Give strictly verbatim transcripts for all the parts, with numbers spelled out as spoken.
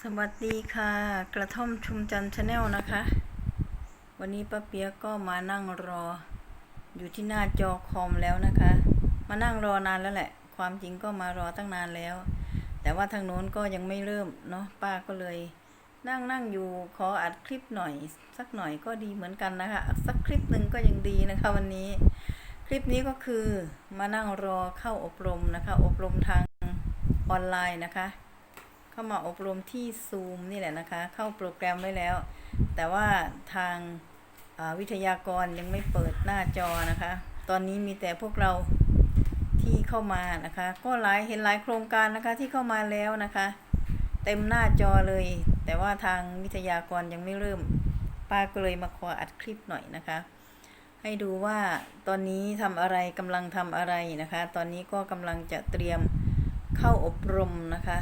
สวัสดีค่ะกระท่อมชุมจันทร์ชาแนลนะคะวันนี้ป้าเปียกก็มานั่งรออยู่ที่หน้าจอคอมแล้วนะคะมานั่งรอนานแล้วแหละความจริงก็มารอตั้งนานแล้วแต่ว่าทางโน้นก็ยังไม่เริ่มเนาะป้าก็เลยนั่งนั่งอยู่ขออัดคลิปหน่อยสักหน่อยก็ดีเหมือนกันนะคะสักคลิปหนึ่งก็ยังดีนะคะวันนี้คลิปนี้ก็คือมานั่งรอเข้าอบรมนะคะอบรมทางออนไลน์นะคะเข้ามาอบรมที่ Zoom นี่แหละนะคะเข้าโปรแกรมไว้แล้วแต่ว่าทางวิทยากรยังไม่เปิดหน้าจอนะคะตอนนี้มีแต่พวกเราที่เข้ามานะคะก็หลายเห็นหลายโครงการนะคะที่เข้ามาแล้วนะคะเต็มหน้าจอเลยแต่ว่าทางวิทยากรยังไม่เริ่มป้าก็เลยมาขออัดคลิปหน่อยนะคะให้ดูว่าตอนนี้ทำอะไรกำลังทำอะไรนะคะตอนนี้ก็กำลังจะเตรียมเข้าอบรมนะคะ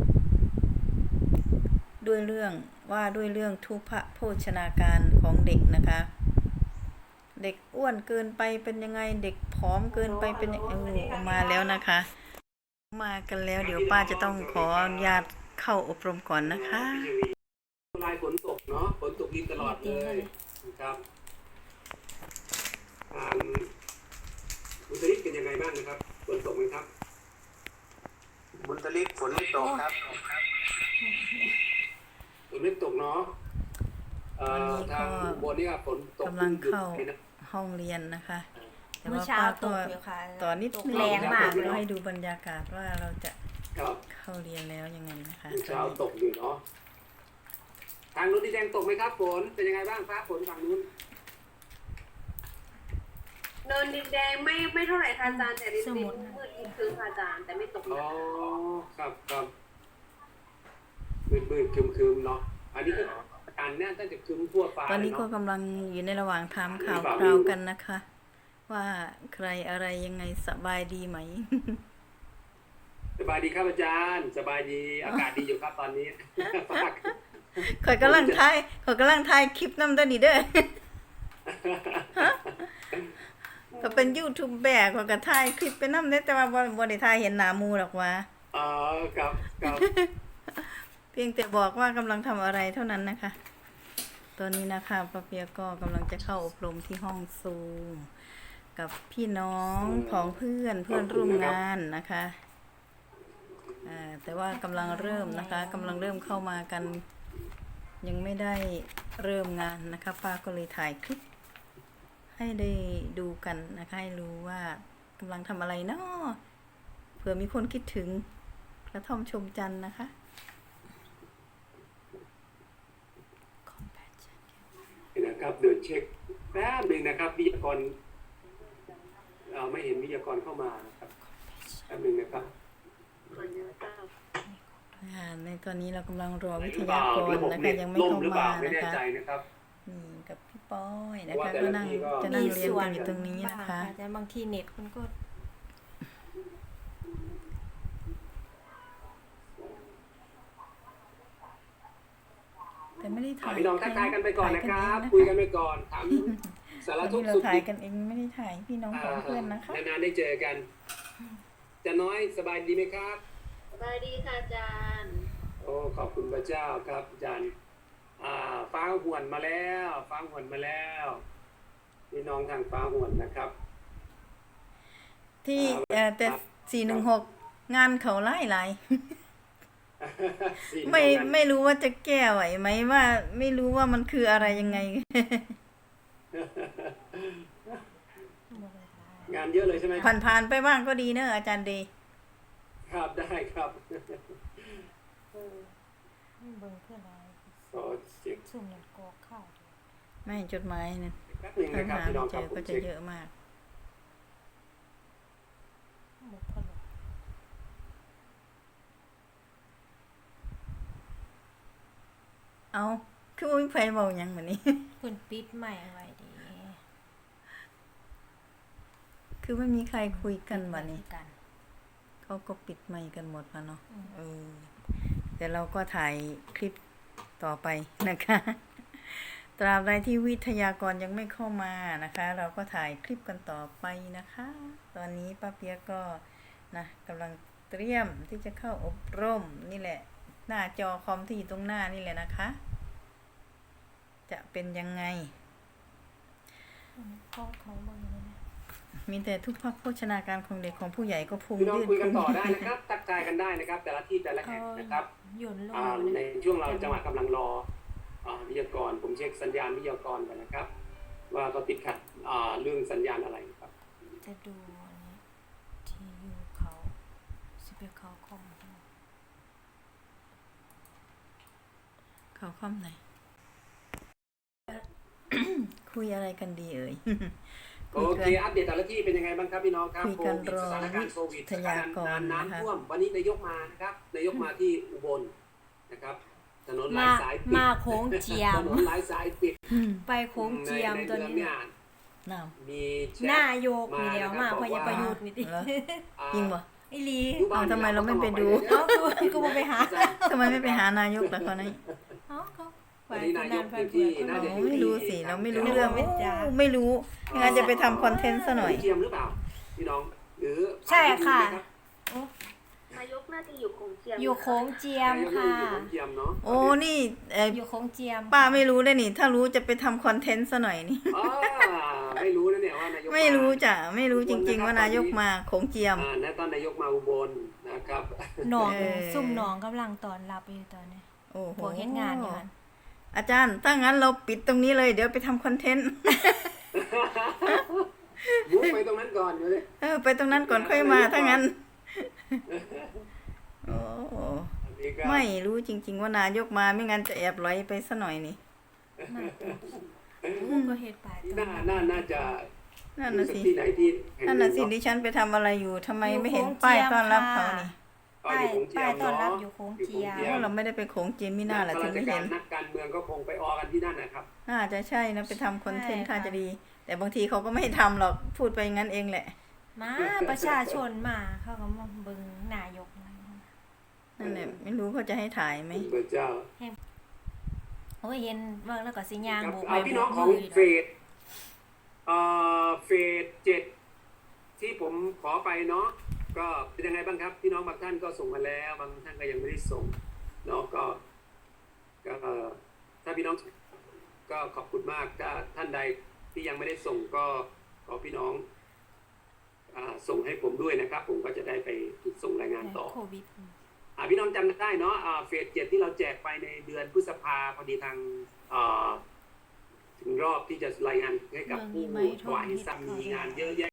ด้วยเรื่องว่าด้วยเรื่องทุพพโภชนาการของเด็กนะคะเด็กอ้วนเกินไปเป็นยังไงเด็กผอมเกินไปเป็นยังไงมาแล้วนะคะมากันแล้วเดี๋ยวป้าจะต้องขออนุญาตเข้าอบรมก่อนนะคะลายฝนตกเนาะฝนตกดินตลอดเลยครับอ่าบุญทลิกเป็นยังไงบ้างนะครับฝนตกไหมครับบุญทลิกฝนไม่ตกครับฝนไม่ตกเนาะวันนี้ก็บนนี้ครับฝนตกกำลังเข้าห้องเรียนนะคะแต่ว่าป้าก็ต่อนิดนึงแรงมากเราให้ดูบรรยากาศว่าเราจะเข้าเรียนแล้วยังไงนะคะเช้าตกอยู่เนาะทางนู้นที่แดงตกไหมครับฝนเป็นยังไงบ้างฟ้าฝนฝั่งนู้นเนินดินแดงไม่ไม่เท่าไหร่ค่ะอาจารย์แต่ดินดินมืดคือค่ะอาจารย์แต่ไม่ตกอ๋อครับครับมืดมืดคืมคืมเนาะอันนี้ก็การเนี่ยตั้งแต่คืมทั่วฟ้าตอนนี้ก็กำลังอยู่ในระหว่างถามข่าวคราวกันนะคะว่าใครอะไรยังไงสบายดีไหมสบายดีครับอาจารย์สบายดีอากาศดีอยู่ครับตอนนี้ข่อยกำลังถ่ายข่อยกำลังถ่ายคลิปน้ำตัวนี้เด้อก็เป็นยูทูบแบกข่อยก็ถ่ายคลิปเป็นน้ำเด้แต่ว่าบ่ได้ถ่ายเห็นหน้ามูหรอกว่าอ๋อครับครับเพียงแต่บอกว่ากำลังทำอะไรเท่านั้นนะคะตอนนี้นะคะป้าเปียก็กำลังจะเข้าอบรมที่ห้องซูมกับพี่น้องของเพื่อนเพื่อนร่วมงานนะคะแต่ว่ากำลังเริ่มนะคะกำลังเริ่มเข้ามากันยังไม่ได้เริ่มงานนะคะป้าก็เลยถ่ายคลิปให้ได้ดูกันนะคะให้รู้ว่ากำลังทำอะไรเนาะเผื่อมีคนคิดถึงกระท่อมชมจันทร์นะคะนะครับเดินเช็คแป๊บหนึ่งนะครับวิทยากรเราไม่เห็นวิทยากรเข้ามานะครับแป๊บหนึ่งนะครับในตอนนี้เรากำลังรอวิทยากรนะคะยังไม่เข้ามานะคะนี่กับพี่ป้อยนะคะก็นั่งจะนั่งเรียนกันอยู่ตรงนี้นะคะแต่บางทีเน็ตมันก็แต่ไม่ได้ถ่ายพี่น้องทักทายกันไปก่อนนะครับคุยกันไปก่อนถามสารทุกข์สุขเราถ่ายกันเองไม่ได้ถ่ายพี่น้องของเพื่อนนะคะนานๆได้เจอกันจะน้อยสบายดีไหมครับสบายดีค่ะอาจารย์โอ้ขอบคุณพระเจ้าครับอาจารย์อ่าฟ้าหวนมาแล้วฟ้าหวนมาแล้วพี่น้องทางฟ้าหวนนะครับที่แต่สี่หนึ่งหกงานเขาไล่ไล่ไม่ไม่รู้ว่าจะแก้ไหวไหมว่าไม่รู้ว่ามันคืออะไรยังไงงานเยอะเลยใช่ไหมผ่านผ่านไปบ้างก็ดีเนอะอาจารย์ดีครับได้ครับเบิ่งเพื่อนอะไรสุ่มหนึ่งกอกข้าวไม่จดหมายเนี่ยถ้าหาไม่เจอก็จะเยอะมากเอาคือวิ่งไฟเบายังเหมือนนี้คุณปิดใหม่ไว้ดีคือไม่มีใครคุยกันวันนี้เขาก็ปิดไมค์กันหมดแล้วเนาะเออแต่เราก็ถ่ายคลิปต่อไปนะคะตราบใดที่วิทยากรยังไม่เข้ามานะคะเราก็ถ่ายคลิปกันต่อไปนะคะตอนนี้ป้าเปียก็นะกำลังเตรียมที่จะเข้าอบรมนี่แหละหน้าจอคอมที่อยู่ตรงหน้านี่แหละนะคะ จะเป็นยังไงพ่อเขาบอกอย่างนี้นะมีแต่ทุกภาคโภชนาการของเด็กของผู้ใหญ่ก็พุงพี่น้องยืดคุยกันพุงต่อยืได้ดนะครับทักทายกันได้นะครับ แต่ละที่แต่ละแห่งนะครับหย่นลงอ่าเลยในนะช่วงเราจังหวะกำลังรออ่าวิทยากรผมเช็คสัญญาณวิทยากรกันนะครับ ว่าเขาติดขัดอ่าเรื่องสัญญาณอะไรครับจะดูอันนี้ที่อยู่เขาสิบเอ็ดเขาของเขาค่อมไหน คุยอะไรกันดีเอ่ยโอเคอัปเดตแต่ละที่เป็นยังไงบ้างครับพี่น้องครับคุยโคกันวิดรอสถานการณ์โควิดวิทยากรน้ำนะคะท่วมวันนี้นายกมานะครับนายกมาที่อุบลนะครับถนนหลายมาสายปิดมาโค้งเจียถมนนหลายสายปิดไปโค้งเจียมในตัวในนี้เมืองเนี่ยน้มีแชหน้าทโยกมีแล้วมาพอยังประยุทธ์นี่ติำเหรออ่าจริงปะไอ้ลีอยู่บ้นเอาทำไมเราไม่ไปดูเอ้าเอ้ากูกูบ่ไปหาทำไมไม่ไปหานายกล่ะคนนี้เอ้าเขาไปวันนี้คนนายนาก นไปอยู่เผื่ที่อน่าจะอ๋ออยู่ ไม่ที่รู้สิเราไม่รู้เรื่องไม่จ้าโอ้ไม่รู้ไม่งั้นจะไปทำคอนเทนต์ซะหน่อยเทียมหรือเปล่าพี่น้องหรือใช่ค่ะผ่านนายกน่าจะอยู่คงเจียมอยู่โค้งเจียมที่ดูไหมค่ะนายกอยู่ของเทียมเนาะโอ้นี่เอ่ออยู่โค้งเจียมป้าไม่รู้ได้นี่ ถ้ารู้จะไปทำคอนเทนต์ซะหน่อยนี่อ่าไม่รู้นะเนี่ยว่านายกไม่รู้าจ้ะไม่รู้จริง ๆ ว่านายกมาโขงเจียมอ่าและตอนนายกมาอุบลนะครับหนองเออซุ่มหนองกำลังตอนรับอยู่ตอนนี้โอ้โหพวกเฮ็ดงานอยู่หั่นอาจารย์ถ้างั้นเราปิดตรงนี้เลยเดี๋ยวไปทำคอนเทนต์มุกไปตรงนั้นก่อนเลยเออไปตรงนั้นก่อนค่อยมาถ้างั้นโอ้โหอันนี้ก็ไม่รู้จริง ๆ ว่านายกมาไม่งั้นจะแอบไหลไปซะหน่อยนี่โอ้ก็เฮ็ดไปตอนน่าน่าน่าจะนั่นน่ะสิที่ไหนที่แห่งนั่นหน่ะสิเาดิฉันไปทำอะไรอยู่ทำไมไม่เห็นป้ายต้อนรับเขานี่อ๋ออยู่โขงเจียป้ายมต้อนรับเนาะอยู่โค้งเจียมอยู่เพราะเราไม่ได้ไปโขงเจียมมิน่าแหละถึงไม่เห็นนักการเมืองก็คงไปออกันที่นั่นนะครับน่าจะใช่นะไปทำคอนเทนต์ใช่ค่ะถ้าจะดี แต่บางทีเขาก็ไม่ให้ทำหรอกพูดไปงั้นเองแหละมาประชาชนมาเขาก็มาเบิ่งนายกมานั่นแหละไม่รู้เขาจะให้ถ่ายไหมพระเจ้าโอ้ยเห็นเบิ่งแล้วก็สิย่างครับโบกเอาไม้พี่โบน้องกของมือเฟสเอ่อเฟสเจ็ดที่ผมขอไปเนาะก็เป็นยังไงบ้างครับ พี่น้องบางท่านก็ส่งมาแล้วบางท่านก็ยังไม่ได้ส่งเนาะก็ก็เอ่อถ้าพี่น้องก็ขอบคุณมากถ้าท่านใดที่ยังไม่ได้ส่งก็ขอพี่น้องอ่าส่งให้ผมด้วยนะครับ ผมก็จะได้ไปส่งรายงานต่อโควิดอ่าพี่น้องจำได้เนาะอ่าเฟสเจ็ดที่เราแจกไปในเดือนพฤษภาพอดีทางอ่าถึงรอบที่จะรายงานให้กับผู้ถวายสัมมีงานเยอะแยะ